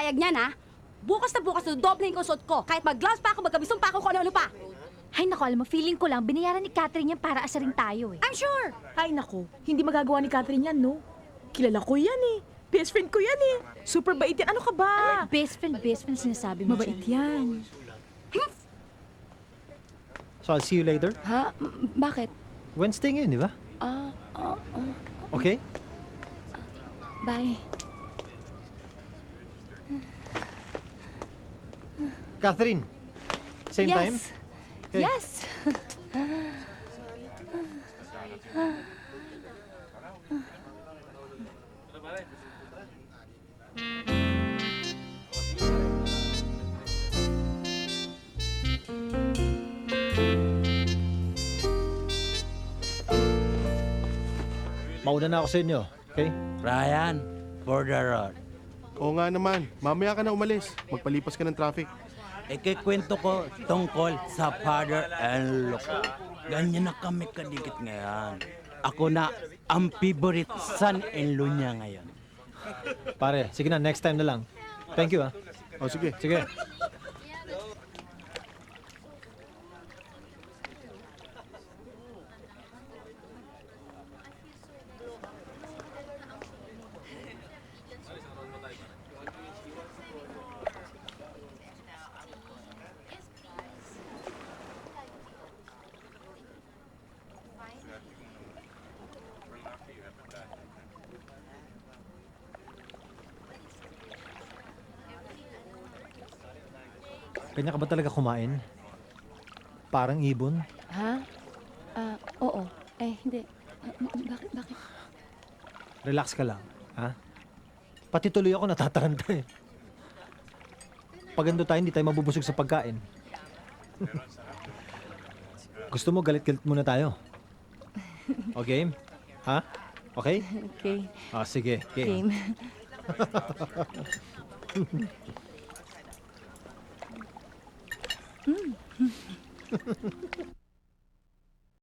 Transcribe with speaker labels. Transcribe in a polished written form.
Speaker 1: papayag niyan, ha? Bukas na bukas, dodoblihin ko suot ko. Kahit mag-gloves pa ako, magkabisong pa ako, kung ano-ano pa.
Speaker 2: Ay, naku, alam mo, feeling ko lang, binayaran ni Catherine yan para asarin tayo eh.
Speaker 1: I'm sure.
Speaker 3: Ay nako, hindi magagawa ni Catherine yan, no? Kilala ko yan eh. Best friend ko yan eh. Super bait yan. Ano ka ba?
Speaker 2: Best friend sinasabi mo
Speaker 3: Mabait
Speaker 2: dyan.
Speaker 3: yan.
Speaker 4: So I'll see you later.
Speaker 1: Ha? Bakit?
Speaker 4: Wednesday ngayon, di ba? Okay?
Speaker 2: Bye.
Speaker 4: Catherine, same time? Okay.
Speaker 2: Yes.
Speaker 4: Mauna na ako sa inyo, okay?
Speaker 5: Ryan, for the road.
Speaker 6: Oo nga naman. Mamaya ka na umalis. Magpalipas ka ng traffic.
Speaker 5: Ikikwento ko tungkol sa father and look. Ganyan na kami kadikit ngayon. Ako na ang favorite son-in-law niya ngayon.
Speaker 4: Pare, sige na, next time na lang. Thank you, ah.
Speaker 6: O sige.
Speaker 4: Sige. Kanya ka ba talaga kumain? Parang ibon?
Speaker 2: Ha? Oo. Hindi. Bakit?
Speaker 4: Relax ka lang, ha? Pati tuloy ako natataranta eh. Pag ando tayo, hindi tayo mabubusog sa pagkain. Gusto mo, galit-galit muna tayo. O game? Ha? Okay?
Speaker 2: Okay.
Speaker 4: Ah, sige. Game.
Speaker 2: Game.